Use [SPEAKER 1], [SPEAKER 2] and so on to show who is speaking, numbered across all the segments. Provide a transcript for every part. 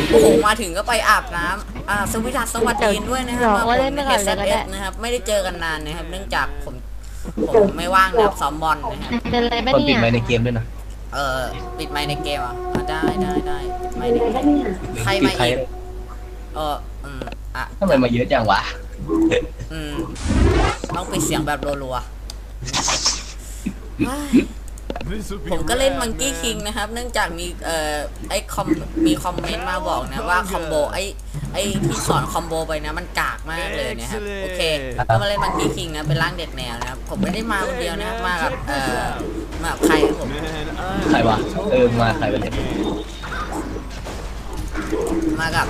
[SPEAKER 1] โอ้โหมาถึงก็ไปอาบน้ำสวัสดีด้วยนะครับมาผมเฮดเซตนะครับไม่ได้เจอกันนานนะครับเนื่องจากผมไม่ว่างนะครับซ้อมบอลนะครับ
[SPEAKER 2] คนปิดไมค์ในเกมด้วยนะ
[SPEAKER 1] ปิดไมค์ในเกมอ่ะได้ปิดไมค์ในเกมใครมาอีก
[SPEAKER 2] ทำไมมาเยอะจังวะ
[SPEAKER 1] ต้องปิดเสียงแบบรัวๆผมก็เล่นมังกี้คิงนะครับเนื่องจากมีมีคอมเมนต์มาบอกนะว่าคอมโบไอ้ที่สอนคอมโบไปนะมันกากมากเลยนะครับโอเคก็มาเล่นมังกี้คิงนะเป็นร่างเด็กแนวนะครับผมไม่ได้มาคนเดียวนะครับมากับใครครับผม
[SPEAKER 2] ใครวะมาใครวะเนี่ย
[SPEAKER 1] มากับ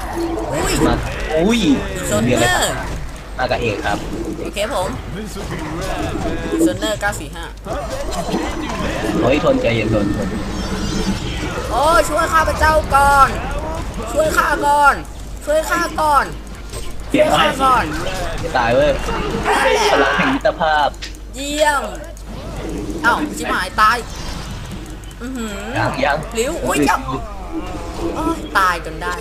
[SPEAKER 1] โซนเนอร์
[SPEAKER 2] มากับเอกครับ
[SPEAKER 1] โอเคผมโซนเนอร์945
[SPEAKER 2] เฮ้ยทนใจเย็นทน
[SPEAKER 1] โอ้ช่วยข้าพเจ้าก่อนช่วยข้าก่อน
[SPEAKER 2] ตายเว้ยพลังแห่งมิตรภาพ
[SPEAKER 1] เยี่ยมเอ้าจิ๋มหายตาย
[SPEAKER 2] ยัง
[SPEAKER 1] ลิ้วอุ้ยเจ้าตายจนได้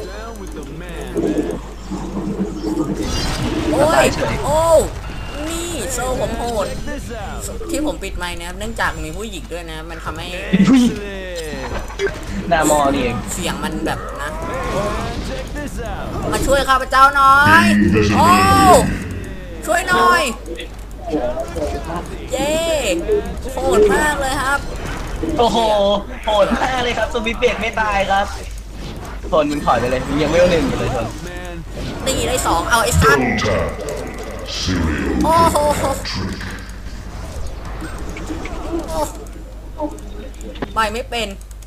[SPEAKER 1] โอ้นี่โซ่ผมโหดที่ผมปิดไมค์นะครับเนื่องจากมีผู้หญิงด้วยนะมันทำให้
[SPEAKER 2] หน้ามอนี่เอง
[SPEAKER 1] เสียงมันแบบนะมาช่วยข้าพเจ้าหน่อยโอ้ช่วยหน่อยเย้โหดมากเลยครับ
[SPEAKER 2] โอ้โหโหดมากเลยครับสวิตเบรกไม่ตายครับทนมึงถอยไปเลยมึงยังไม่เอา1อยู่เลยทน
[SPEAKER 1] ตีได้2เอาไอ้สัตว์โอ้โหไปไม่เป็น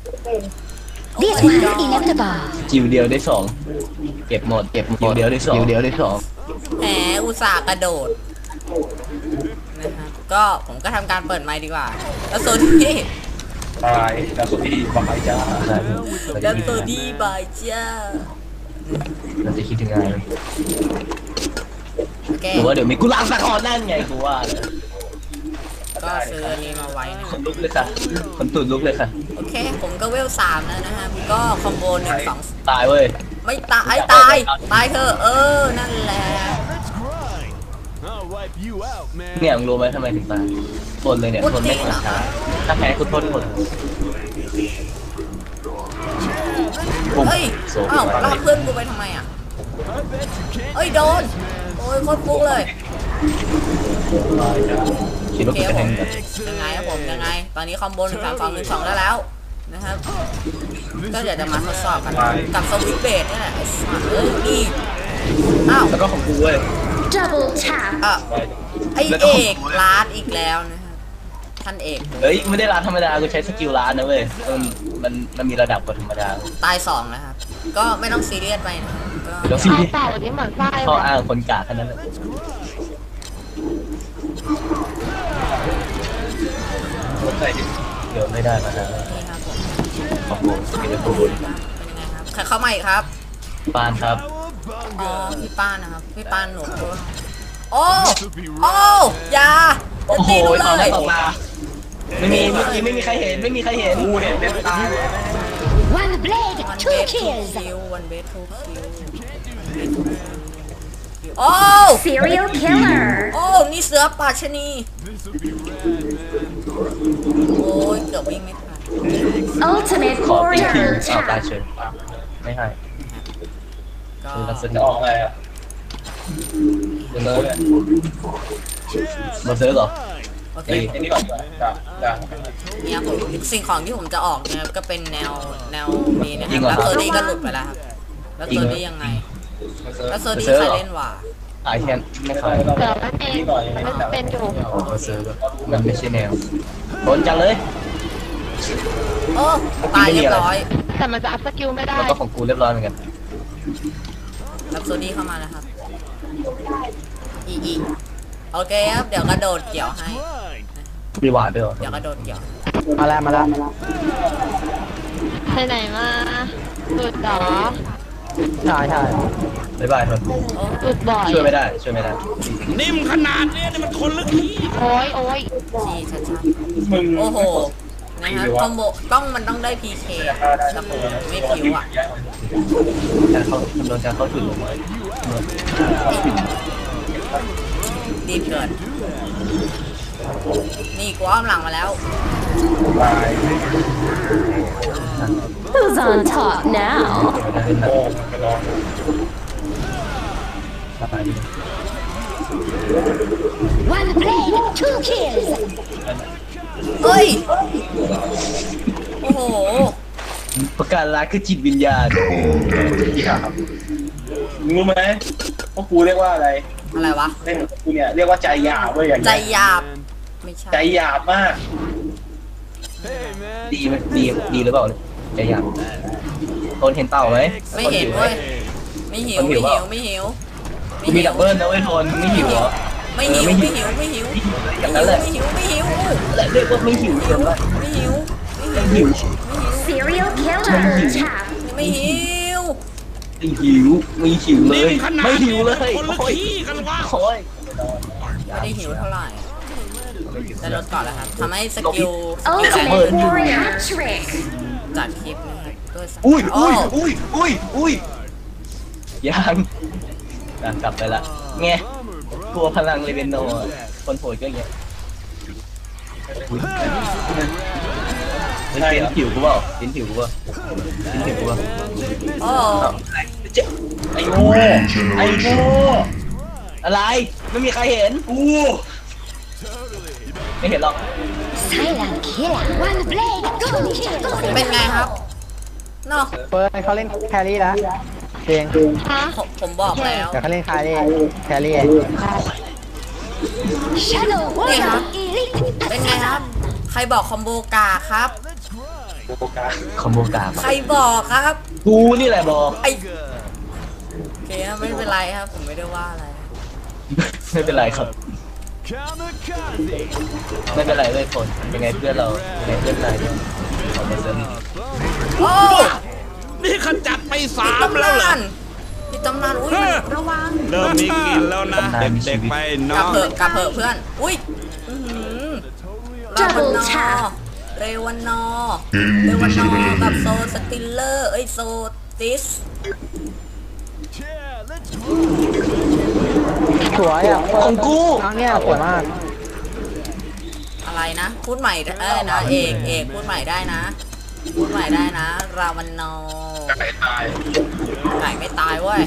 [SPEAKER 2] จิวเดียวได้2เก็บหมดจิวเดียวได้2
[SPEAKER 1] แหมอุตส่าห์กระโดดนะครับก็ผมก็ทำการเปิดไมค์ดีกว่าแล้วโซดี้
[SPEAKER 2] บายแล้วโซดี้บายจ้า
[SPEAKER 1] แล้วโซดี้บายจ้า
[SPEAKER 2] เราจะคิดยังไงหรือว่าเดี๋ยวมีกุหลาบสักคอนั่นไงกูว่า
[SPEAKER 1] ก็ซื้ออันนี้มาไว้นะ
[SPEAKER 2] คนลุกเลยค่ะคนตุ่นลุกเลยค่ะ
[SPEAKER 1] โอเคผมก็เวล3แล้วนะครับก็คอมโบ1 2
[SPEAKER 2] ตายเว้ย
[SPEAKER 1] ไม่ตายเถอะนั่นแหละ
[SPEAKER 2] เนี่ยมึงรู้ไหมทำไมถึงตายทนเลยเนี่ยทนไม่ช้าถ้าแพ้คุณทนหมด
[SPEAKER 1] เฮ้ยอ้าวลากเพื่อนกูไปทำไมอ่ะเฮ้ยโดนโอ้ยโคตรฟุกเลย
[SPEAKER 2] คิดว่าเป็น
[SPEAKER 1] ยังไงครับผมยังไงตอนนี้คอมโบ1 3 2 1 2แล้วนะครับก็เดี๋ยวจะมาทดสอบกันกับสวิตช์เบสนี่แหละนี่อ้าว
[SPEAKER 2] แล้วก็ของกูเว้ย
[SPEAKER 1] ไอเอกล้านอีกแล้วนะครับท่านเอก
[SPEAKER 2] เฮ้ยไม่ได้ล้านธรรมดากูใช้สกิลล้านนะเว้ยมันมีระดับกว่าธรรมดา
[SPEAKER 1] ตาย2นะครับก็ไม่ต้องซีเรียสไปนะ
[SPEAKER 2] ก็ซีเรียสข้ออ้างคนกากแค่นั้นแหละเดี๋ยวไม่ได้มานะขอบคุณเป็นยังไง
[SPEAKER 1] ครับใครเข้ามาอีกครับ
[SPEAKER 2] ปานครับ
[SPEAKER 1] อ๋อพี่ป้านนะครับพี่ป้านหนูโอ้ยา
[SPEAKER 2] โอ้โหตอนแรกออกมาไม่มีใครเห็นกูเห็นเป็นตาย
[SPEAKER 1] one blade two kills โอ้
[SPEAKER 3] serial killer
[SPEAKER 1] โอ้นี่เสือป่าชนีโอ้ยเกือบวิ่งไม่ทัน
[SPEAKER 3] ultimate
[SPEAKER 2] ขอเป็นทีมเอาตาเชิญไม่ให้คือลักษณะออกไงอ่ะมาซื้อเหรอ
[SPEAKER 1] โอเคนี่ก่อนเนี่ยผมสิ่งของที่ผมจะออกนะครับก็เป็นแนวนี้นะครับแล้วโซดี้ก็หลุดไปแล้วครับแล้วโซดี้ยังไงแล้วโซดี้ใครเล่นวะ
[SPEAKER 2] ขายแค่ไม่ขาย
[SPEAKER 3] เดี๋ยวมันเองมันเป็นอยู่
[SPEAKER 2] มาซื้อมันไม่ใช่แนวโดนจังเลย
[SPEAKER 1] โอ้ตายเรียบร้อย
[SPEAKER 3] แต่มันจะอัพสกิลไม่ได้
[SPEAKER 2] แล้วก็ของกูเรียบร้อยเหมือนกัน
[SPEAKER 1] รับโซดี้เข้ามาแล้วครับอีโอเคครับเดี๋ยวกระโดดเกี่ยวให้
[SPEAKER 2] มีหวานด้วย
[SPEAKER 1] เดี๋ยวกระโดดเกี่ยว
[SPEAKER 2] มาแล้ว
[SPEAKER 3] ไปไหนมาสุดหรอ
[SPEAKER 2] ใช่บ๊ายบายครับ
[SPEAKER 3] สุดบ่อย
[SPEAKER 2] ช่วยไม่ได้
[SPEAKER 4] นิ่มขนาดนี้นี่มันคนลึกขี้
[SPEAKER 3] โอ้ย
[SPEAKER 1] ชี้ชัดๆโอ้โหนะครับคอมโบมันต้องได้ PK อะแต่ผมไม่ผิวอ่ะ
[SPEAKER 2] การเข้าคำนวณการเข้าถึงลงมา
[SPEAKER 1] ดีเกินนี่กูอ้อมหลังมาแล้ว
[SPEAKER 4] Who's on top now?
[SPEAKER 5] One blade, 2 kills.
[SPEAKER 1] เฮ้ย โอ้โห
[SPEAKER 2] ประการรักคือจิตวิญญาณ
[SPEAKER 6] รู้ไหมว่ากูเรียกว่าอะไร
[SPEAKER 1] อะไรวะ
[SPEAKER 6] เล่นกับกูเนี่ยเรียกว่าใจหยาบเว้ยอย่าง
[SPEAKER 1] ใจ
[SPEAKER 6] เงี้ย
[SPEAKER 1] หยาบ ไม่ใช่
[SPEAKER 6] ใจหยาบมาก
[SPEAKER 2] ดีไหมดีหรือเปล่าใจอยากคนเห็นเต่าไหม
[SPEAKER 1] ไม่เห็นเว้ย ไม่หิว ไม่หิว ไม่หิว
[SPEAKER 2] มีดับเบิลนะเว้ยทนไม่หิวเหรอ
[SPEAKER 1] ไม่หิว ไม่หิว ไม่หิว
[SPEAKER 2] อย่างนั้นแหละ
[SPEAKER 1] ไม่หิว ไม่หิว
[SPEAKER 2] แหละเรียกว่าไม่หิวเกินไป
[SPEAKER 1] ไม่หิว
[SPEAKER 2] ไม่หิว
[SPEAKER 5] Serial killer. Tap.
[SPEAKER 1] ไม่หิว
[SPEAKER 2] ไม่หิวไม่หิวเลยไม่หิวเลยโอ้ยโอ้ย
[SPEAKER 1] ไม่ได้หิวเท่าไหร่แต่ลดก่อนแล้วครับทำให้สกิล
[SPEAKER 5] Ultimate warrior trick.
[SPEAKER 1] จัดคลิปนะครับด้วยสัก
[SPEAKER 2] อุ้ย
[SPEAKER 1] โอ้
[SPEAKER 2] อุ้ยยังกลับไปละไงกลัวพลังเลเวนโนคนโหดก็เงี้ยเป็นผิวกูเปล่าเป็นผิวกูเปล่าเป็นผิวกูเปล่า
[SPEAKER 1] โอ้
[SPEAKER 6] ไอ้โง่ไอ้โง่
[SPEAKER 2] อะไรไม่มีใครเห็น
[SPEAKER 6] กู
[SPEAKER 2] ไม่เห็นหรอก
[SPEAKER 5] Silent killer. One blade, 2 kills.
[SPEAKER 1] เป็นไงครับเนาะ
[SPEAKER 7] เฟิร์สเขาเล่นแครี่แล้วเอง
[SPEAKER 3] ฮะ
[SPEAKER 1] ผมบอกแล้ว
[SPEAKER 7] แต่เขาเล่นแครี่
[SPEAKER 5] Shadow warrior
[SPEAKER 1] Yeah.
[SPEAKER 5] elite.
[SPEAKER 1] เป็นไงครับ ใครบอกคอมโบกาครับ
[SPEAKER 2] คอมโบกา
[SPEAKER 1] ใครบอกครับ
[SPEAKER 2] กูนี่แหละบอก
[SPEAKER 1] ไอโอเคครับไม่เป็นไรครับ ผมไม่ได้ว่าอะไร
[SPEAKER 2] ไม่เป็นไรครับไม่เป็นไรเลยคนยังไงเพื่อนเรายังไงเพื่อนนายเนี่ยเอามาเสริม
[SPEAKER 1] โอ้
[SPEAKER 8] นี่ขจัดไป
[SPEAKER 1] ติด
[SPEAKER 8] 3
[SPEAKER 1] ตำ
[SPEAKER 8] แล้วเหร
[SPEAKER 1] นา
[SPEAKER 8] อน
[SPEAKER 1] ติดตำนานอุ้ยมันระวัง
[SPEAKER 8] เริ่มมีกลินแล้วนะ เด็กๆไป
[SPEAKER 1] ก
[SPEAKER 8] น้
[SPEAKER 1] ลับ
[SPEAKER 8] อง
[SPEAKER 1] เถอะกลับเถอะเพื่อน อุ้ยอื้อหือรา
[SPEAKER 5] Double
[SPEAKER 1] วันนอ
[SPEAKER 5] tap
[SPEAKER 1] เรวันนอเรวันนอกับโซสติลเลอร์เอ้ยโซติส
[SPEAKER 7] สวยอ่ะ
[SPEAKER 2] ของกู
[SPEAKER 7] ครั้งเนี้ยสวยมาก
[SPEAKER 1] อะไรนะ พูดใหม่ได้นะเอกพูดใหม่ได้นะ พูดใหม่ได้นะ ราวันนอ
[SPEAKER 6] ไก่ตาย
[SPEAKER 1] ไก่ไม่ตายเว้ย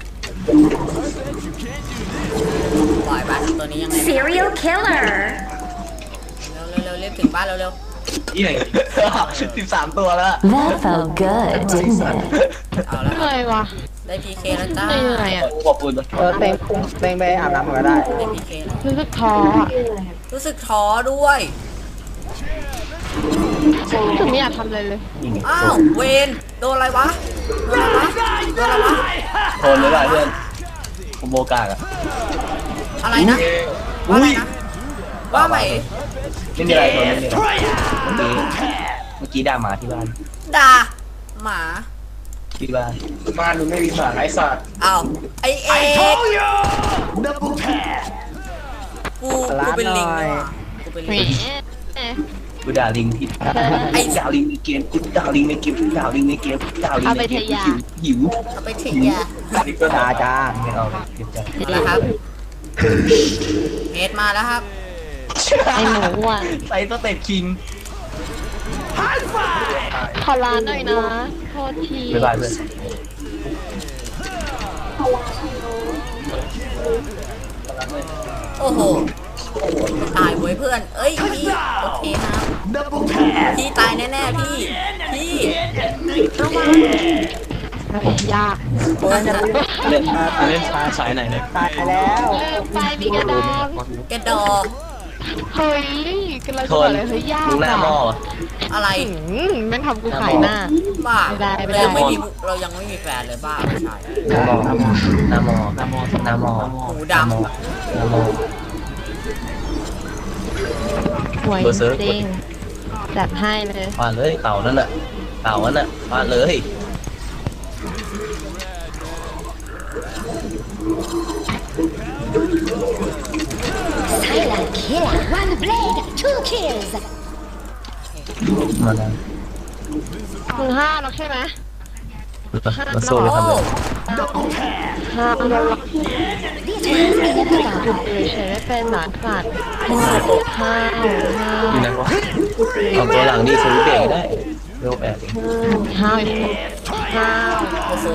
[SPEAKER 1] ปล่อยบ้านตัวนี้ยังไง
[SPEAKER 5] Serial killer.
[SPEAKER 1] เร็วรีบถึงบ้านเร็ว
[SPEAKER 2] ยี่ไหน13 ตัวแล้ว
[SPEAKER 4] That felt good, didn't it?
[SPEAKER 1] ๆเอาแล้ว
[SPEAKER 3] เหนื่อยวะ
[SPEAKER 1] ได้ PK แล้วจ้า
[SPEAKER 3] เหนื่อยอ่ะ
[SPEAKER 2] ขอบคุณ
[SPEAKER 7] เต็งไปอาบน้ำก็ได้
[SPEAKER 1] ได้ PK แล้ว
[SPEAKER 3] รู้สึกท้ออ่ะ
[SPEAKER 1] รู้สึกท้อด้วย
[SPEAKER 3] รู้สึกไม่อยากทำอะไรเลย
[SPEAKER 1] อ้าวเวนโดนอะไรวะโดนอะไรวะ
[SPEAKER 2] ทนไม่ได้เพื่อนคอมโบกากอะ
[SPEAKER 1] อะไรนะว่าอะไรนะว่าไหม
[SPEAKER 2] ไม่มีอะไรทนไม่มีอะไรเมื่อกี้ด่าหมาที่บ้าน
[SPEAKER 1] ด่าหมา
[SPEAKER 2] ที่บ้าน
[SPEAKER 6] บ้านมึงไม่มีหมาไอ้สัตว์
[SPEAKER 1] อ้าวไอเอกกูเป็นลิงนี่หว่ากูเป็น
[SPEAKER 3] แหม
[SPEAKER 1] ลิง
[SPEAKER 2] กูด่าลิงที่ไอ้ด่าลิงในเกมกูด่าลิงในเกมกูด่าลิงในเกมกูด่าลิงในเกมหิว
[SPEAKER 1] เอาไปทิ้งยา
[SPEAKER 7] จ้า
[SPEAKER 2] ไม่เอาเลยเก็บใจ
[SPEAKER 1] เอาละครับเมดมาแล้วครับ
[SPEAKER 3] ไอหมูอ่ะ
[SPEAKER 2] ใส่สเต็ปคิง
[SPEAKER 3] ขอร้านหน่อยนะ โทษที
[SPEAKER 2] บ๊ายบายเพื่อน
[SPEAKER 1] โอ้โหตายเว้ยเพื่อนเอ้ยพี่โอเคครับพี่ตายแน่ๆพี่ระวัง
[SPEAKER 3] ยาก
[SPEAKER 2] เล่นสายไหนเนี่ย
[SPEAKER 7] ตายแล้ว
[SPEAKER 3] ลืมไปมีกระดอง
[SPEAKER 1] กระดอก
[SPEAKER 3] เฮ้ยกำลัง
[SPEAKER 2] ท
[SPEAKER 3] จะบอก
[SPEAKER 2] น
[SPEAKER 3] เลยเฮ้ยยาก
[SPEAKER 2] มึงหน้าหม้อ
[SPEAKER 1] อะไร
[SPEAKER 3] แม่งทำกูขายหน้า
[SPEAKER 1] บ้า
[SPEAKER 3] ไม่ได้ไม่ได้
[SPEAKER 1] เรายังไม่มีแฟนเลยบ้าไม่ใช่
[SPEAKER 2] หน้าหม้อหน้าหม้อ
[SPEAKER 1] หูด
[SPEAKER 2] หน้าหม้อ
[SPEAKER 3] หวยจริงจัดให้เลย
[SPEAKER 2] ฟาดเลยเต่านั่นน่ะเต่านั่นน่ะฟาดเลย
[SPEAKER 5] Silent killer. One blade, 2 kills.
[SPEAKER 2] มาแล้ว
[SPEAKER 3] มึง5แล้วใช่ไหม
[SPEAKER 2] มาโซ่เลยครับเลย
[SPEAKER 3] 5แล้วหยุดเลยใช้ไม่เป็นหนาขาดห้า
[SPEAKER 2] อยู่ไหนวะเอาตัวหลังดิสวิตช์เบรกได้เร็ว8เอง
[SPEAKER 3] ห้า
[SPEAKER 1] โอ้โห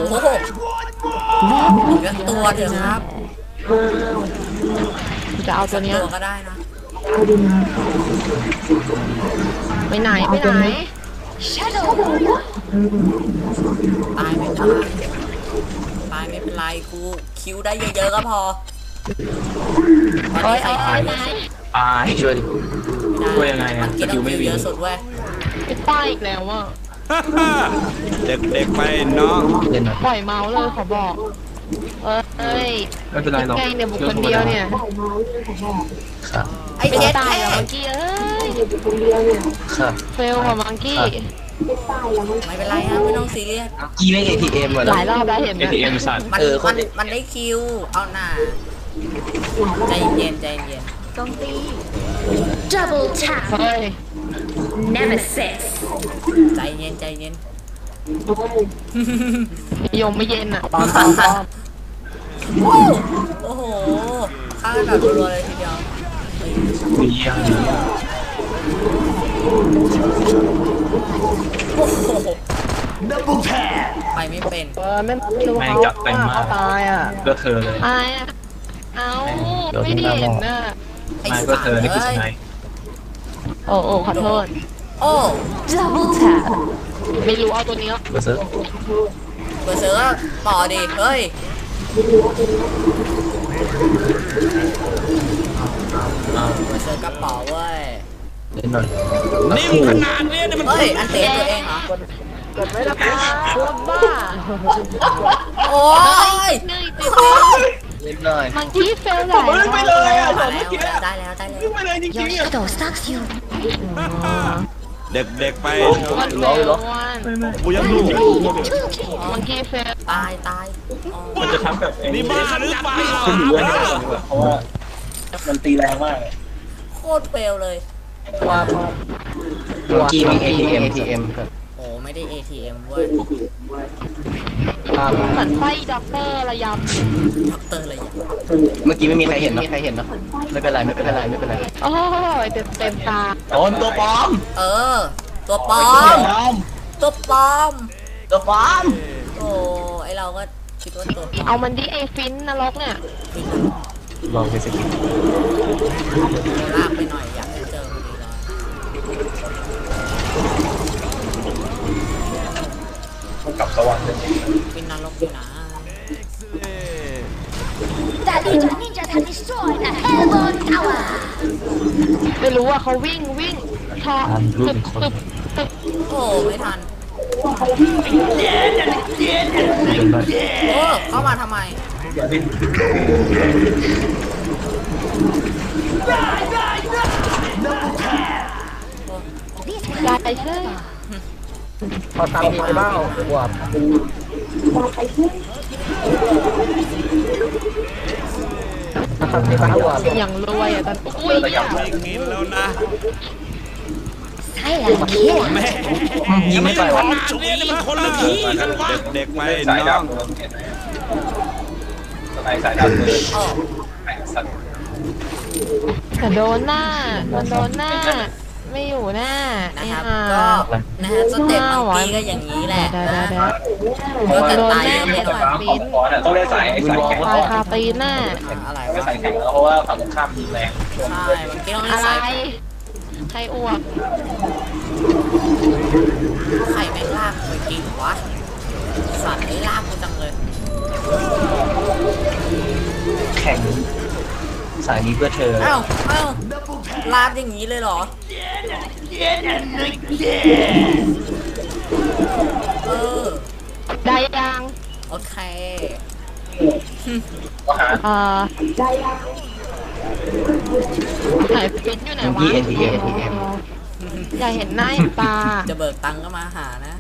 [SPEAKER 1] เลือกตัวเถอะครับ
[SPEAKER 3] จะเอาตัวเนี้ย
[SPEAKER 1] ตัวก็ได้นะ
[SPEAKER 3] ไปไหนไปไหน
[SPEAKER 5] Shadow.
[SPEAKER 1] ตายไม่ตายตายไม่เป็นไรกูคิวได้เยอะๆก็พอตอนนี้ใครตายเยอะสุด
[SPEAKER 2] ตายช่วยดิ ช่วยยังไงอะ
[SPEAKER 1] มันกิน
[SPEAKER 2] สกิลไม่มี
[SPEAKER 1] เยอะสุดเว้ย
[SPEAKER 3] ไปป้ายอีกแล้วอ่ะ
[SPEAKER 8] เด็กๆไปน้อง
[SPEAKER 2] เล่นหน่อย
[SPEAKER 3] ปล่อยเมาส์เลยขอบอกเอ้ย
[SPEAKER 2] ไม่เป็นไรหรอก
[SPEAKER 3] แกงเนี่ยบุคคลเดียวเนี่ย
[SPEAKER 2] ครับ
[SPEAKER 1] ไอ้
[SPEAKER 3] ไม่
[SPEAKER 1] เจ็ด
[SPEAKER 3] ตาย
[SPEAKER 1] แค่
[SPEAKER 3] แล้วมังกี้เอ้ย
[SPEAKER 2] ครับ
[SPEAKER 3] เฟลกว่ามังกี้
[SPEAKER 1] ไม่เป็นไรฮะไม่ต้องซีเรียส
[SPEAKER 2] กี้ไม่ ATM เหรอ
[SPEAKER 3] หลายรอบแล้วเห็นไหม
[SPEAKER 2] ATM สัตว์
[SPEAKER 1] มัน
[SPEAKER 2] โค
[SPEAKER 1] มัน
[SPEAKER 2] ตร
[SPEAKER 1] มันได้คิวเอาหน่าใจเย็นใจเย็น
[SPEAKER 5] Double tap.
[SPEAKER 3] เฮ้ย
[SPEAKER 5] Nemesis.
[SPEAKER 1] ใจเย็นใจเย็น
[SPEAKER 3] ยมไม่เย็นอ่ะ
[SPEAKER 7] ตอน
[SPEAKER 1] โอ้โหฆ่ากันแบบรัวๆเลยทีเดียว
[SPEAKER 2] มียัง
[SPEAKER 1] โอ้โหไปไม่เป็น
[SPEAKER 7] ไม่รู้เขาตายอ่ะ
[SPEAKER 2] ก็เธอเลย
[SPEAKER 3] อายอ่ะเอาไม่ได้เห็นน่ะ
[SPEAKER 1] ไอ้
[SPEAKER 2] ไม่
[SPEAKER 1] สั
[SPEAKER 2] ก็
[SPEAKER 1] ต
[SPEAKER 2] เธอ
[SPEAKER 1] ว์
[SPEAKER 2] นี่คือ
[SPEAKER 1] เอ้
[SPEAKER 2] ช
[SPEAKER 1] ย
[SPEAKER 2] นะ
[SPEAKER 3] โอ้ขอโทษ
[SPEAKER 1] โอ้
[SPEAKER 4] Double tap.
[SPEAKER 3] ไม่รู้เอาตัวนี้
[SPEAKER 2] เบอร์เซอร์
[SPEAKER 1] เบอร์เซอร์ก็ต่อดิเฮ้ยเบอร์เซอร์กระเป๋าเว้ย
[SPEAKER 2] เล่นหน่อย
[SPEAKER 8] นิ่มขนาดเนี้ยเนี่ยมัน
[SPEAKER 1] เฮ้ยอันเตะตัวเองเหรอ
[SPEAKER 7] กดไม่ได้ปะ
[SPEAKER 3] บ้า
[SPEAKER 1] โอ้ย
[SPEAKER 3] เหนื่อย
[SPEAKER 2] เล่นหน่อย
[SPEAKER 3] มังกี้เฟลหลายรอบ
[SPEAKER 1] มาแล้วได้แล้วได้แล้ว
[SPEAKER 5] Your shadow stalks you.
[SPEAKER 8] เด็กๆไป
[SPEAKER 3] วันเฟลวัน
[SPEAKER 8] กูยังรู้
[SPEAKER 3] มังกี้เฟล
[SPEAKER 1] ตายตายอ๋อ
[SPEAKER 2] มันจะทำแบบ
[SPEAKER 8] นี่บ้าหรือเปล่า
[SPEAKER 2] ขึ้นอยู่ด้วยเพราะว่ามันตีแรงมาก
[SPEAKER 1] โคตรเฟลเลย
[SPEAKER 7] ว่า
[SPEAKER 2] เมื่อกี้มี ATM ครับ
[SPEAKER 1] โอ้ไม่ได้ ATM เว้ย
[SPEAKER 3] เหมือนไฟด็อกเตอร์ระย
[SPEAKER 1] ด็อกเตอร์อะไรอย่าง
[SPEAKER 2] เมื่อกี้ไม่มีใครเห็นนะไม่เป็นไรไม่เป็นไรไม่เป็นไร
[SPEAKER 3] ำโอ้ยเต็มตา
[SPEAKER 2] โดนตัวปลอม
[SPEAKER 1] เออ ตัวปลอม ตัวปลอม
[SPEAKER 2] ตัวปลอม
[SPEAKER 1] โอ้ไอเราก็คิดว่าตัวปลอ
[SPEAKER 3] เอา
[SPEAKER 1] ม
[SPEAKER 3] มันดิไอฟินนรกเนี่ย
[SPEAKER 2] ลองไปสกิป
[SPEAKER 1] ลากไปหน่อยอยากให้เจอพอดีเลย
[SPEAKER 2] กับสวรรค์เลย
[SPEAKER 1] เป็นนรกอยู่นะ
[SPEAKER 5] The Legion ninjas have destroyed a Hellborn tower.
[SPEAKER 3] ไม่รู้ว่าเขาวิ่งทอตึบ
[SPEAKER 1] โอ้ไม่ทัน
[SPEAKER 2] เป็นไร
[SPEAKER 1] โอ้เข้ามาทำไม
[SPEAKER 3] ได้ใช่
[SPEAKER 7] พอทำไปบ้างบวกทำไปบ้างบวก
[SPEAKER 3] อย่างรวยอ่ะตอนอุ้ย
[SPEAKER 8] ไม่กินแล้วนะ
[SPEAKER 5] Silent killer.
[SPEAKER 8] แม่
[SPEAKER 2] ยิงไม่ไปวะ
[SPEAKER 8] ขนาดเนี้ยเนี่ยมันคนละที่กันวะเด็กๆไปน้อง
[SPEAKER 2] สายดำเลย
[SPEAKER 1] โอ้
[SPEAKER 3] แต่โดนหน้ามันโดนหน้า ไม่อยู่หน้า
[SPEAKER 1] นะครับก็นะฮะสเต็ปมังกี้ก็อย่างนี้แหละ
[SPEAKER 3] ได้
[SPEAKER 1] นะ
[SPEAKER 3] ได้
[SPEAKER 1] ก็จะ
[SPEAKER 3] โดน
[SPEAKER 1] ตาย
[SPEAKER 3] หน้า
[SPEAKER 1] เยอะไป
[SPEAKER 3] ไม่
[SPEAKER 1] หน่อย
[SPEAKER 3] ต่อยฟิน
[SPEAKER 2] ต้องได้สายแข็ง
[SPEAKER 3] ตายคาตีนหน้า
[SPEAKER 1] อะไร
[SPEAKER 2] ไม่
[SPEAKER 1] วะ
[SPEAKER 2] สายแข็งเพราะว่าฝั่งตรงข้ามยิงแรง
[SPEAKER 1] ใช่มังกี้ต้องเล่
[SPEAKER 3] อะ
[SPEAKER 1] น
[SPEAKER 3] ไร
[SPEAKER 1] สาย
[SPEAKER 3] ใครอ้วก
[SPEAKER 1] ไข่แม่งลากไปกินวะสัตว์ไอ้ลากกูจังเลย
[SPEAKER 2] แข็งสายนี้เพื่อเธอ
[SPEAKER 1] เอ้าลาดอย่างนี้เลยเหรอเออ
[SPEAKER 3] ได้ยัง
[SPEAKER 1] โอเค
[SPEAKER 3] ไหนฟินอยู่ไหนวะ
[SPEAKER 2] ATM
[SPEAKER 3] อยากเห็นหน้าเห็นตา
[SPEAKER 1] จะเบิกตังค์ก็มาหานะ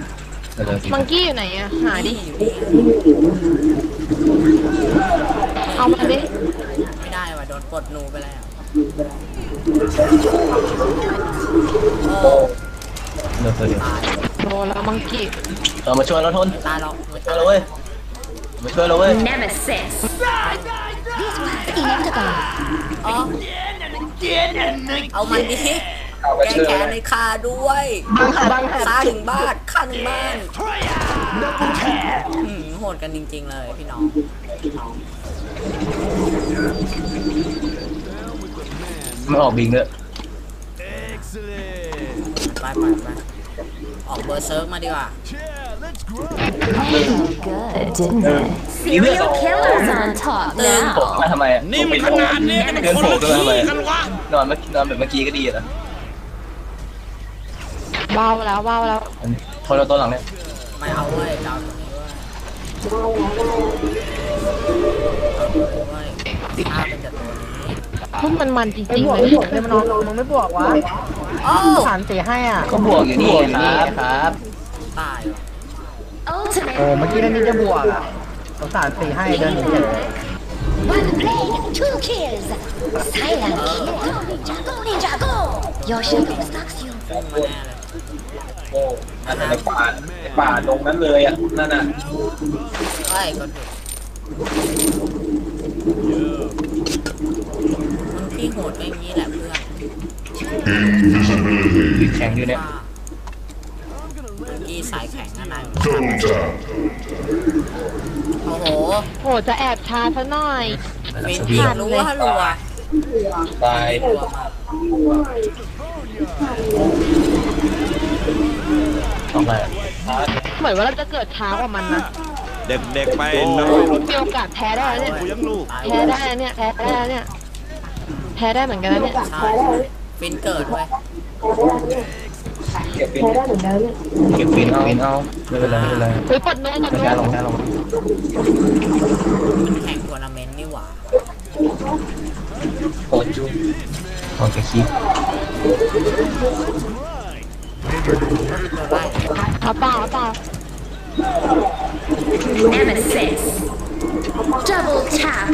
[SPEAKER 3] มังกี้อยู่ไหนอะหาดิ
[SPEAKER 1] นี่อยู่นี่
[SPEAKER 3] เอามาดิ
[SPEAKER 1] ไม่ได้ว่ะโดนปลดหนูไปแล้วโอ้
[SPEAKER 2] เดี๋ยวตัวเดียว
[SPEAKER 1] ตาย
[SPEAKER 3] โดนแล้วมังกี้
[SPEAKER 2] มาช่วยเราทน
[SPEAKER 1] ตายหรอก
[SPEAKER 2] มาช่วยเราเว้ยมาช่วยเราเว้ย
[SPEAKER 4] Nemesis.
[SPEAKER 5] This was inevitable.
[SPEAKER 1] อ๋อเอามันดิแก้แค้นในคาด้วยฆ่าถึงบ้านฆ่าถึงบ้านโหดกันจริงๆเลยพี่น้อง
[SPEAKER 2] ไม่ออกบิงเลย
[SPEAKER 1] ไปออกเบอร์เซิร์ฟมาดีกว่า
[SPEAKER 4] Good, didn't it?
[SPEAKER 2] มีเลือด
[SPEAKER 4] Serial killers on top
[SPEAKER 2] ผม
[SPEAKER 4] now.
[SPEAKER 2] มาทำไมอ่ะ
[SPEAKER 8] นี่มันขนาดนี้นี่มันคนละที่กันวะ
[SPEAKER 2] นอนแบบเมื่อกี้ก็ดีแล้ว
[SPEAKER 3] เบาแล้ว
[SPEAKER 2] ทนเราตัวหลังเนี่ย
[SPEAKER 1] ไม่เอาเว้ยจะเอาตรงนี้เว้ยฆ่าเป็นแต่ตัวนี้
[SPEAKER 3] พุ่มมันจ
[SPEAKER 7] ไอ้
[SPEAKER 3] ริง
[SPEAKER 7] บ
[SPEAKER 3] ๆ
[SPEAKER 7] วก
[SPEAKER 3] เลย
[SPEAKER 7] ที่บวกเนี่ยมันนอนมึงไม่บวกวะ
[SPEAKER 1] โอ้
[SPEAKER 7] ฐานตีให้อ่ะ
[SPEAKER 2] ก็บวกอยู่นี่ครับ
[SPEAKER 1] ตายว่ะ
[SPEAKER 4] Ultimate.
[SPEAKER 7] โอ้เมื่อกี้นั่นนี่จะบวกอ่ะสงสารตีให้เดินหนีเฉย
[SPEAKER 5] One blade, 2 kills. Silent kill. Go ninja, go. Your shadow stalks you.
[SPEAKER 1] พุ่งมาแน่เลย
[SPEAKER 6] โอ้อันในป่าตรงนั้นเลยอ่ะนั่นน่ะ
[SPEAKER 1] เฮ้ยก็ถูกมันพี่โหดก็อย่างนี้แหละเพื่อน
[SPEAKER 2] แข็งอยู่เนี่ย
[SPEAKER 1] กี้สายแข็งอะไรโอ้โห
[SPEAKER 3] โหจะแอบชาซะหน่อย
[SPEAKER 1] เวนพี่รู้ว่ารัว
[SPEAKER 6] ตาย
[SPEAKER 1] รัวมาก
[SPEAKER 2] ออกมา
[SPEAKER 3] เหมือนว่าเราจะเกิดช้ากว่ามันนะ
[SPEAKER 8] เด็กๆไปน้อง
[SPEAKER 3] มีโอกาสแพ้ได้แล้วเนี่ย
[SPEAKER 8] กูยังลูก
[SPEAKER 1] ตาย
[SPEAKER 3] แพ้ได้เนี่ยแพ้ได้เนี่ยแพ้ได้เหมือนกันนะเนี่ย
[SPEAKER 1] ใช่ฟินเกิดเว้ย
[SPEAKER 6] เก็บเป็น
[SPEAKER 2] เก็บวินเอาไม่เป็นไรไม่เป็นไร
[SPEAKER 3] เฮ้ยปลดนู้นปลด
[SPEAKER 2] ช้า
[SPEAKER 3] นู้น
[SPEAKER 2] ลง
[SPEAKER 1] แข่งทัวร์นาเมนต์นี่หว่า
[SPEAKER 6] โคตรจุ๊บ
[SPEAKER 2] ออกจากคลิป
[SPEAKER 1] ไล่
[SPEAKER 3] เอาเปล่า
[SPEAKER 4] Nemesis. Double tap.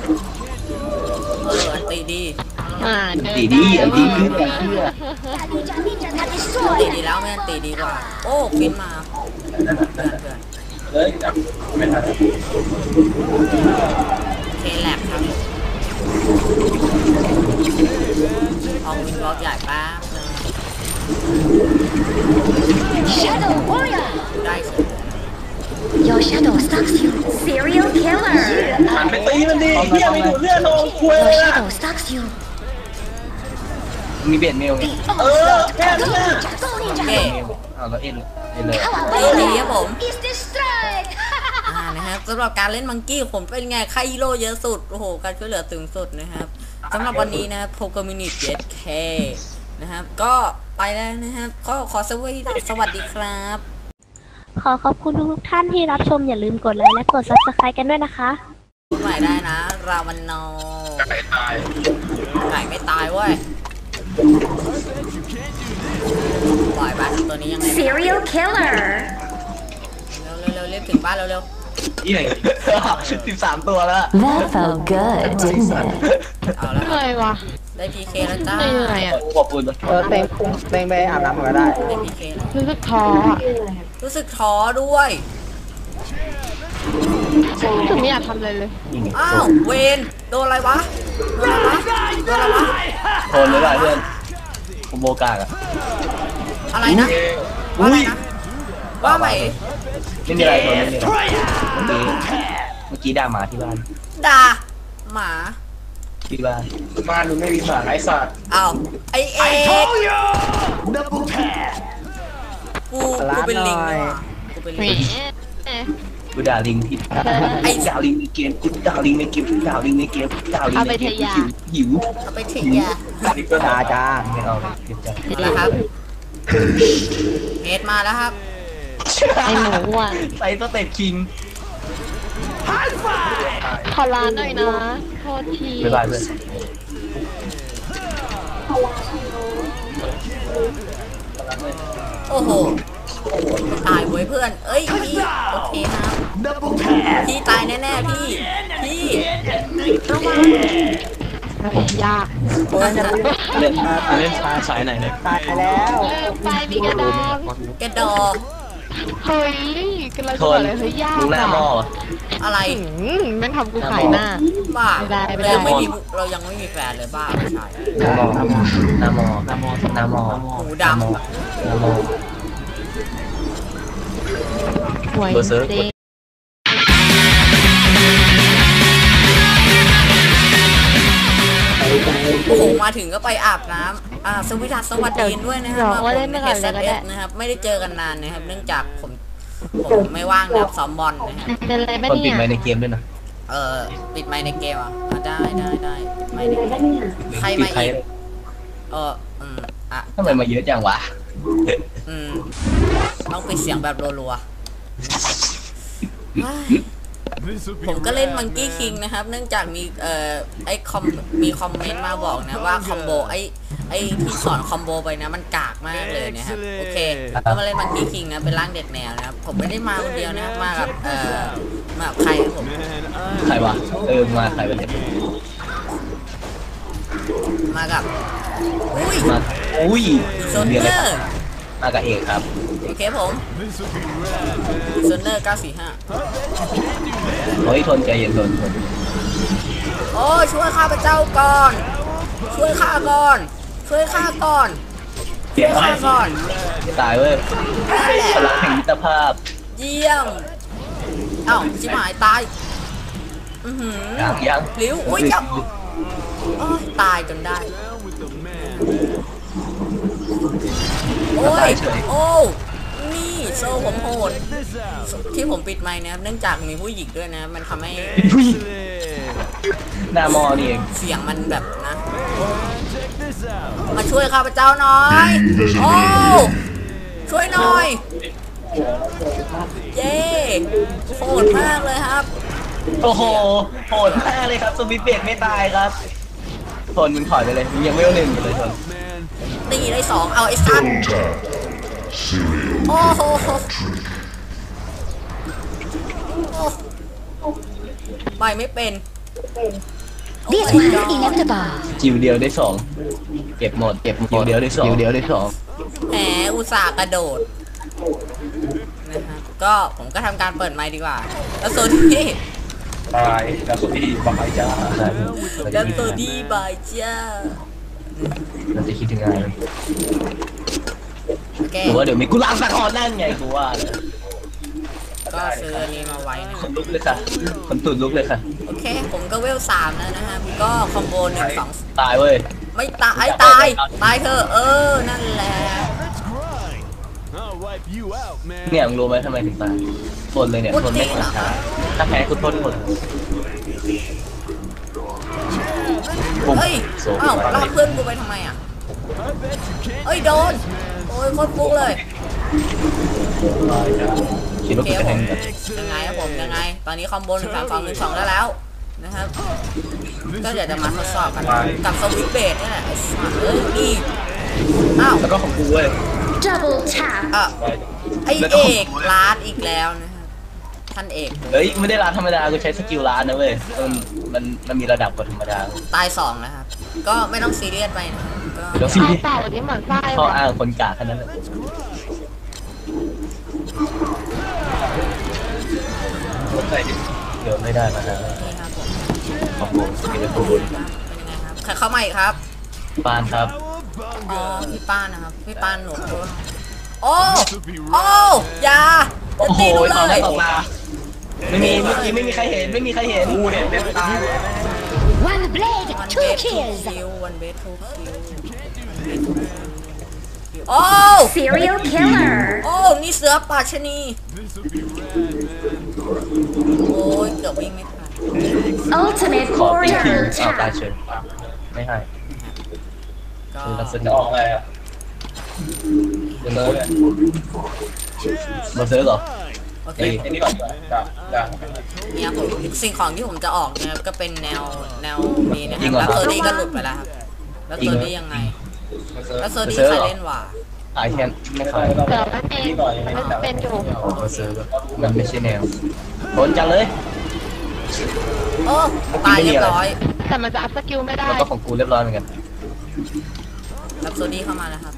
[SPEAKER 1] อันตีดี
[SPEAKER 3] เดิน
[SPEAKER 2] ดีดีอันดี
[SPEAKER 3] ได้
[SPEAKER 2] คือแบบเชื่อ
[SPEAKER 5] Ninja, ninja, that is
[SPEAKER 1] ตี
[SPEAKER 5] destroyed.
[SPEAKER 1] ดีแล้วไม่อันตีดีกว่า โอ้ฟินมาเพื่อน
[SPEAKER 6] เลยจับไม่ทัน
[SPEAKER 1] เคแลกครับออกวินบล็อกใหญ่แป๊บนึง
[SPEAKER 5] Shadow warrior.
[SPEAKER 1] ได้เฉย
[SPEAKER 5] Your shadow stalks you.
[SPEAKER 4] Serial killer.
[SPEAKER 6] หันไปตีมันดิเฮียไม่ดูดเลือดลงคุย
[SPEAKER 5] Your
[SPEAKER 6] เลยอ่ะ
[SPEAKER 5] shadow stalks you.
[SPEAKER 2] มีเบียดเมลไง
[SPEAKER 6] เออแค่นั้นแหละ
[SPEAKER 5] Go ninja.
[SPEAKER 1] เก้
[SPEAKER 2] เอาแล้วเอ็นเลย
[SPEAKER 1] ตีดีครับผม
[SPEAKER 5] Is destroyed.
[SPEAKER 1] นะครับสำหรับการเล่นมังกี้ผมเป็นไงใครฮีโร่เยอะสุด โอ้โห การช่วยเหลือถึงสุดนะครับสำหรับวันนี้นะครับโปรแกรมมินิเจ็ดเคนะครับ ก็ไปแล้วนะครับ ก็ขอสวัสดีครับ
[SPEAKER 9] ขอขอบคุณทุกท่านที่รับชมอย่าลืมกดไลค์และกด Subscribe กันด้วยนะคะ
[SPEAKER 1] ใหม่ได้นะ ราวันโน
[SPEAKER 6] ไก่ตาย
[SPEAKER 1] ไก่ไม่ตายเว้ยปล่อยบ้านตัวนี้ยังไง
[SPEAKER 4] Serial killer.
[SPEAKER 1] เร็วเรียบถึงบ้านเร็ว
[SPEAKER 2] นี่ไหน13 ตัวแล้ว
[SPEAKER 4] That felt good, didn't it?
[SPEAKER 1] ๆเอาแล้ว
[SPEAKER 3] เหนื่อยว่ะ
[SPEAKER 1] ได้พีเคแล้วจ้า
[SPEAKER 3] เหนื่อยอ่ะ
[SPEAKER 2] ขอบคุณ
[SPEAKER 7] เต็งไปอาบน้ำก็ได้
[SPEAKER 1] ได้พีเคแล้ว
[SPEAKER 3] รู้สึกท้ออ่ะ
[SPEAKER 1] รู้สึกท้อด้วย
[SPEAKER 3] รู้สึกไม่อยากทำอะไรเลย
[SPEAKER 1] อ้าวเวนโดนอะไรวะโดนอะไรวะ
[SPEAKER 2] ทนเลยว่ะเพื่อนผมโบกากอ่ะ
[SPEAKER 1] อะไรนะว่าอะไรนะว่าไหม
[SPEAKER 2] ไม่มีอะไรทนไม่มีอะไรเมื่อกี้ด่าหมาที่บ้าน
[SPEAKER 1] ด่าหมา
[SPEAKER 2] ที่บ้าน
[SPEAKER 6] บ้านมึงไม่มีหมาไร้สัตว์
[SPEAKER 1] อ้าวไอเอกกูเป็นลิงนี่หว่ากูเป็น
[SPEAKER 3] แหม
[SPEAKER 1] ลิง
[SPEAKER 2] กูด่าลิงที่ไอ้ด่าลิงในเกมกูด่าลิงในเกมกูด่าลิงในเกมกูด่าลิงในเกมหิว
[SPEAKER 1] เอาไปถึงยา
[SPEAKER 6] นี่ก็
[SPEAKER 7] จ้าจ้า
[SPEAKER 2] ไม่เอาเก็บใจ
[SPEAKER 1] มาแล้วครับเฮดมาแล้วครับ
[SPEAKER 3] ไอหมูอ่ะ
[SPEAKER 2] ใส่สเต็ปคิง
[SPEAKER 3] ขอลาหน่อยนะโทษที
[SPEAKER 2] บ๊ายบายเพื่อน
[SPEAKER 1] โอ้โหตายเว้ยเพื่อนเอ้ยพี่โอเคครับพี่ตายแน่ๆพี่
[SPEAKER 3] ยาก
[SPEAKER 2] เล่นช้าสายไหนเนี่ย
[SPEAKER 7] ตายแล้ว
[SPEAKER 3] ไปมีกระดอง
[SPEAKER 1] กระดอ
[SPEAKER 3] เฮ้ยกำลังจะบอกเลยเฮ้ยยาก
[SPEAKER 2] มึงหน้าหม้อ
[SPEAKER 1] อะไร
[SPEAKER 3] แม่งทำกูขายหน้า
[SPEAKER 1] บ้า
[SPEAKER 3] ไม่ได้
[SPEAKER 1] เรายังไม่มีแฟนเลยบ้าไม่ใช่
[SPEAKER 2] หน้าหม้อ
[SPEAKER 1] หูดำ
[SPEAKER 3] หวย
[SPEAKER 2] เบอร์เซอร์
[SPEAKER 3] จริง
[SPEAKER 1] โอ้โหมาถึงก็ไปอาบน้ำสวัสดีด้วยนะครับผมHSSนะครับไม่ได้เจอกันนานนะครับเนื่องจากผมไม่ว่างนะครับซ้อมบอลนะครับ
[SPEAKER 3] เป็นอะไรบ้าง
[SPEAKER 2] คนปิด
[SPEAKER 3] เนี่ย
[SPEAKER 2] ไมค์ในเกมด้วยนะ
[SPEAKER 1] ปิดไมค์ในเกมอ่ะได้ปิดไมค์ในเกมใครมาอีก
[SPEAKER 2] ทำไมมาเยอะจังวะ
[SPEAKER 1] ต้องปิดเสียงแบบรัวๆผมก็เล่นมังกี้คิงนะครับเนื่องจากมีมีคอมเมนต์มาบอกนะว่าคอมโบไอ้ที่สอนคอมโบไปนะมันกากมากเลยนะครับโอเคก็มาเล่นมังกี้คิงนะเป็นร่างเด็กแนวนะครับผมไม่ได้มาคนเดียวนะครับมากับใครครับผม
[SPEAKER 2] ใครวะมาใครวะเนี่ย
[SPEAKER 1] มากับโซนเนอร์
[SPEAKER 2] มากับเอกครับ
[SPEAKER 1] โอเคผมโซนเนอร์945
[SPEAKER 2] เฮ้ยทนใจเย็นทน
[SPEAKER 1] โอ้ช่วยข้าพเจ้าก่อนช่วยข้าก่อน
[SPEAKER 2] ตายเว้ยพลังแห่งมิตรภาพ
[SPEAKER 1] เยี่ยมชิบหายตาย
[SPEAKER 2] ยัง
[SPEAKER 1] หลิวอุ้ยจับตายจนได้โอ้นี่โซ่ผมโหดที่ผมปิดไมค์นะครับเนื่องจากมีผู้หญิงด้วยนะมันทำให้
[SPEAKER 2] หน้ามอนี่เอง
[SPEAKER 1] เสียงมันแบบนะมาช่วยข้าพเจ้าหน่อยโอ้ช่วยหน่อยเย้โหดมากเลยครับ
[SPEAKER 2] โอ้โหโหดมากเลยครับสวิตเบรกไม่ตายครับทนมึงถอยไปเลยมึงยังไม่เอา1กันเลยทน
[SPEAKER 1] ตีได้2เอาไอ้สัตว์โอ้โหไปไม่เป็น
[SPEAKER 5] This one is inevitable
[SPEAKER 2] จิวเดียวได้2เก็บหมดจิวเดียวได้2
[SPEAKER 1] แหมอุตส่าห์กระโดดนะครับก็ผมก็ทำการเปิดไมค์ดีกว่าแล้วโซนี่
[SPEAKER 6] ตายแล้วสุดที่บายจ้า
[SPEAKER 1] แล้วโซนี่บายจ้า
[SPEAKER 2] เราจะคิดถึงไง
[SPEAKER 1] กู
[SPEAKER 2] ว่าเดี๋ยวมีกูล้างสักคอนนั่นไงกูว่า
[SPEAKER 1] ก็ซื้อนี้มาไว้นะ
[SPEAKER 2] คนลุกเลยค่ะคนตุ่นลุกเลยค่ะ
[SPEAKER 1] โอเคผมก็เวล3แล้วนะฮะก็คอมโบ1 2
[SPEAKER 2] ตายเว้ย
[SPEAKER 1] ไม่ตายตายเธอนั่นแหละ
[SPEAKER 2] เนี่ยมึงรู้ไหมทำไมถึงตายทนเลยเนี่ยทนไม่ขาดช้าถ้าแพ้กูทนหมด
[SPEAKER 1] เฮ้ยลากเพื่อนกูไปทำไมอ่ะเฮ้ยโดนโอ้ยโคตรฟุกเลย
[SPEAKER 2] คิดว่าจะแทง
[SPEAKER 1] ยังไงครับผมยังไงตอนนี้คอมโบ1 3 2 1 2แล้วนะครับก็เดี๋ยวจะมาทดสอบกันกับสวิตช์เบสนี่แหละนี่
[SPEAKER 2] แล้วก็ของกูเว้ย
[SPEAKER 4] Double tap
[SPEAKER 1] ไอเอกร้านอีกแล้วนะครับท่านเอก
[SPEAKER 2] เฮ้ยไม่ได้ร้านธรรมดากูใช้สกิลร้านนะเว้ยมันมีระดับกว่าธรรมดา
[SPEAKER 1] ตาย2นะครับก็ไม่ต้องซีเรียสไปนะ
[SPEAKER 2] ก็ซีเรียส
[SPEAKER 3] เต่านี้เหมือนไส้
[SPEAKER 2] ข้ออ้างคนกากแค่นั้นแหละเดี๋ยวไม่ได้มาแล้ว
[SPEAKER 1] นี่ครับผม
[SPEAKER 2] ขอบคุณเป็นยังไง
[SPEAKER 1] ครับใครเข้ามาอีกครับ
[SPEAKER 2] ปานครับ
[SPEAKER 1] พี่ป้านนะครับพี่ป้านหนูโอ้ยา
[SPEAKER 2] โอ้โหตอนแรกออกมาไม่มีเมื่อกี้ไม่มีใครเห็นกูเห็นเป็นตา
[SPEAKER 5] One blade 2 kills
[SPEAKER 1] 1 blade 2 kills
[SPEAKER 4] โอ้ serial killer
[SPEAKER 1] นี่เสือป่าชนีโอ้ยเกือบวิ่งไม่ทัน
[SPEAKER 4] ultimate
[SPEAKER 2] ขอตีที
[SPEAKER 4] warrior
[SPEAKER 2] ตายเฉยไม่ให้
[SPEAKER 1] ก็
[SPEAKER 6] จะออกอะไรอ่ะ
[SPEAKER 2] มาซื้อเหรอ
[SPEAKER 1] โอเค
[SPEAKER 6] ไอ้นี่ก่อน
[SPEAKER 1] เนี่ยผมสิ่งของที่ผมจะออกเนี่ยก็เป็นแนวนี้นะครับแล้วตัวนี้ก็หลุดไปแล้วครับแล้วตัวนี้ยังไงแล้วตัวนี้ใครเล่นวะ
[SPEAKER 2] ขายแค่ไม่ขาย
[SPEAKER 3] เดี๋ยวมันเองมันเป็นอยู่
[SPEAKER 2] เอาซื้อมันไม่ใช่แนวโดนจังเลย
[SPEAKER 1] โอ้ตายเรียบร้อย
[SPEAKER 3] แต่มันจะอัพสกิลไม่ได้
[SPEAKER 2] แล้วก็ของกูเรียบร้อยเหมือนกัน
[SPEAKER 1] รับโซดี้เข้ามาแล้วครับ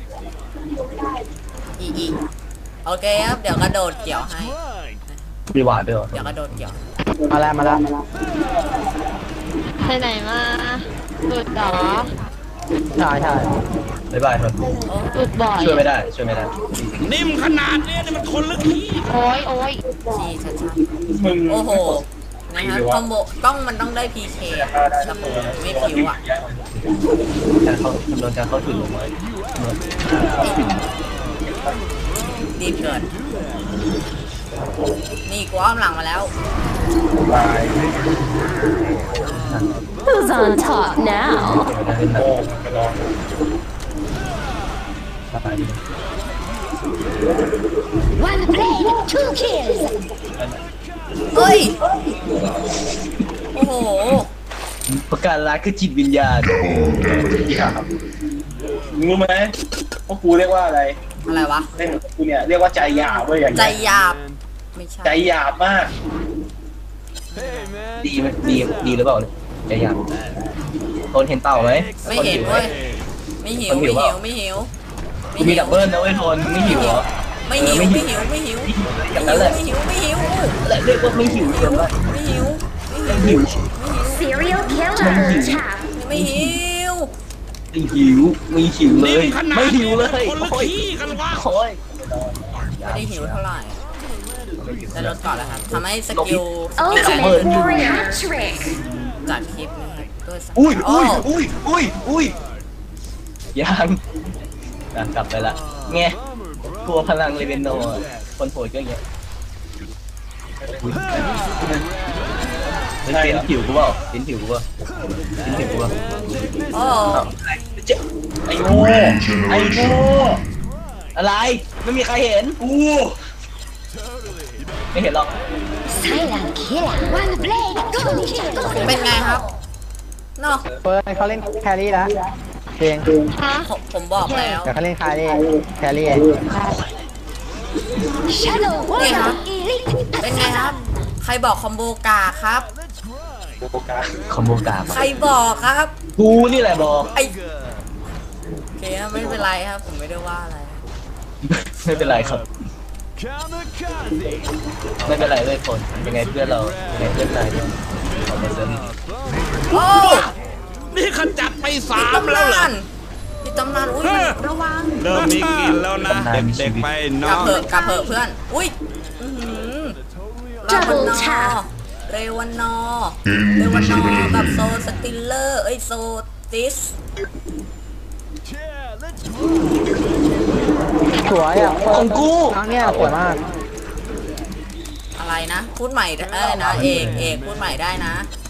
[SPEAKER 1] อีโอเคครับเดี๋ยวกระโดดเกี่ยวให้
[SPEAKER 2] มีหวานด้วยเหรอ
[SPEAKER 1] เดี๋ยวกระโดดเกี่ยว
[SPEAKER 7] มาแล้วมาแล้ว
[SPEAKER 3] ไปไหนมาหลุดเหรอ
[SPEAKER 7] ใช่ใช่
[SPEAKER 2] บ๊ายบายทน
[SPEAKER 3] หลุดบ่อย
[SPEAKER 2] ช่วยไม่ได้ช่วยไม่ได้
[SPEAKER 8] นิ่มขนาดนี้นี่มันคนลึกขี้
[SPEAKER 3] โอ้ยโอ้ย
[SPEAKER 1] ชี้ชัด
[SPEAKER 6] มึง
[SPEAKER 1] ๆโอ้โหนะครับคอมโบมันต้องได้ PK แต่ผมไม่ผิวอ่ะ
[SPEAKER 2] การเข้าจำนวนการเข้าถึงลงมา
[SPEAKER 1] ดีเกินนี่กูอ้อมหลังมาแล้ว
[SPEAKER 6] ตาย
[SPEAKER 4] Who's on top now?
[SPEAKER 6] โอ้ไปลอง
[SPEAKER 5] One blade, 2 kills.
[SPEAKER 1] เฮ้ย โอ้โห
[SPEAKER 2] ประกาศรักคือจิตวิญญาณ
[SPEAKER 6] รู้ไหมพวกกูเรียกว่าอะไร
[SPEAKER 1] อะไรวะ
[SPEAKER 6] เล่นกับกูเนี่ยเรียกว่าใจหยาบเว้ยอย่าง
[SPEAKER 1] ใจ
[SPEAKER 6] เงี้ย
[SPEAKER 1] หยาบ ไม่ใช่
[SPEAKER 6] ใจหยาบมาก
[SPEAKER 2] ดีไหมดีหรือเปล่าเนี่ยใจยังทนเห็นเต่าไหม
[SPEAKER 1] ไม่เห็นเว้ย ไม่หิว ไม่หิว ไม่หิว
[SPEAKER 2] กูมีดับเบิลนะเว้ยทนไม่หิวเหรอ
[SPEAKER 1] ไม่หิว ไม่หิว ไม่หิว
[SPEAKER 2] อย่างนั้นแหละ
[SPEAKER 1] ไม่หิว ไม่หิว
[SPEAKER 2] และเรียกว่าไม่หิวเกินไป
[SPEAKER 1] ไม่หิว
[SPEAKER 2] ไม่หิว
[SPEAKER 4] Serial killer. Tap.
[SPEAKER 1] ไม่หิว
[SPEAKER 2] ไม่หิวไม่หิวเล
[SPEAKER 8] นิ่
[SPEAKER 2] ย
[SPEAKER 8] มขนาด
[SPEAKER 2] ไม่หิ
[SPEAKER 8] นี้
[SPEAKER 2] วเล
[SPEAKER 8] มัน
[SPEAKER 2] ย
[SPEAKER 8] คนลึก
[SPEAKER 2] โอ้ย
[SPEAKER 8] ขี้กันวะ
[SPEAKER 2] โอ้ย
[SPEAKER 1] ไม่ได้หิวเท่าไหร่ได้ลดก่อนแล้วครับทำให้สกิล
[SPEAKER 4] Ultimate warrior trick.
[SPEAKER 1] จัดคลิปนะครับด้วยสกิล
[SPEAKER 2] อุ้ย
[SPEAKER 1] โอ้
[SPEAKER 2] อุ้ยยังกลับไปละไงกลัวพลังเลเวนโนอะคนโหดก็อย่างเงี้ยเห็นผิวกูเปล่าเห็นผิวกูเปล่าเห็นผิวกูเปล่า
[SPEAKER 1] โอ้
[SPEAKER 6] ไอ้โง่ไอ้โง่
[SPEAKER 2] อะไรไม่มีใครเห็น
[SPEAKER 6] กู
[SPEAKER 2] ไม่เห็นหรอก
[SPEAKER 5] Silent killer. One blade, 2 kills.
[SPEAKER 1] เป็นไงครับเนาะ
[SPEAKER 7] เฟิร์นเขาเล่นแครี่แล้วเอง
[SPEAKER 3] ฮะ
[SPEAKER 1] ผมบอกแล้ว
[SPEAKER 7] เดี๋ยวเขาเล่นแครี่
[SPEAKER 5] Shadow warrior,
[SPEAKER 1] Yeah.
[SPEAKER 5] elite
[SPEAKER 1] เป็นไงครับ ใครบอกคอมโบกาครับ
[SPEAKER 6] โฟกัส
[SPEAKER 2] คอมโบกา
[SPEAKER 1] ใครบอกครับ
[SPEAKER 2] กูนี่แหละบอก
[SPEAKER 1] ไอโอเคครับไม่เป็นไรครับ ผมไม่ได้ว่าอะไร
[SPEAKER 2] ไม่เป็นไรครับ ไม่เป็นไรเลยคนยังไงเพื่อนเรายังไงเพื่อนนายเนี่ยขอมาเสริม
[SPEAKER 1] โอ้
[SPEAKER 8] นี่ขจัดไป
[SPEAKER 1] มี
[SPEAKER 8] 3
[SPEAKER 1] ตำ
[SPEAKER 8] แล้วเหร
[SPEAKER 1] นา
[SPEAKER 8] อน
[SPEAKER 1] มีตำนานอุ้ยระวัง
[SPEAKER 8] เริ่มมีกลินแล้วนะ เด็กๆไป
[SPEAKER 1] ก
[SPEAKER 8] น้
[SPEAKER 1] ลั
[SPEAKER 8] อบ ง
[SPEAKER 1] เถอะกลับเถอะเพื่อน อุ้ยอื้อหือรามนอเรวานอกับโซสติลเลอร์ โซติส
[SPEAKER 7] สวยอ่ะ
[SPEAKER 2] ของกู
[SPEAKER 7] ครั้งเนี้ยสวยมาก
[SPEAKER 1] อะไรนะ พูดใหม่ได้นะ เอกพูดใหม่ได้นะ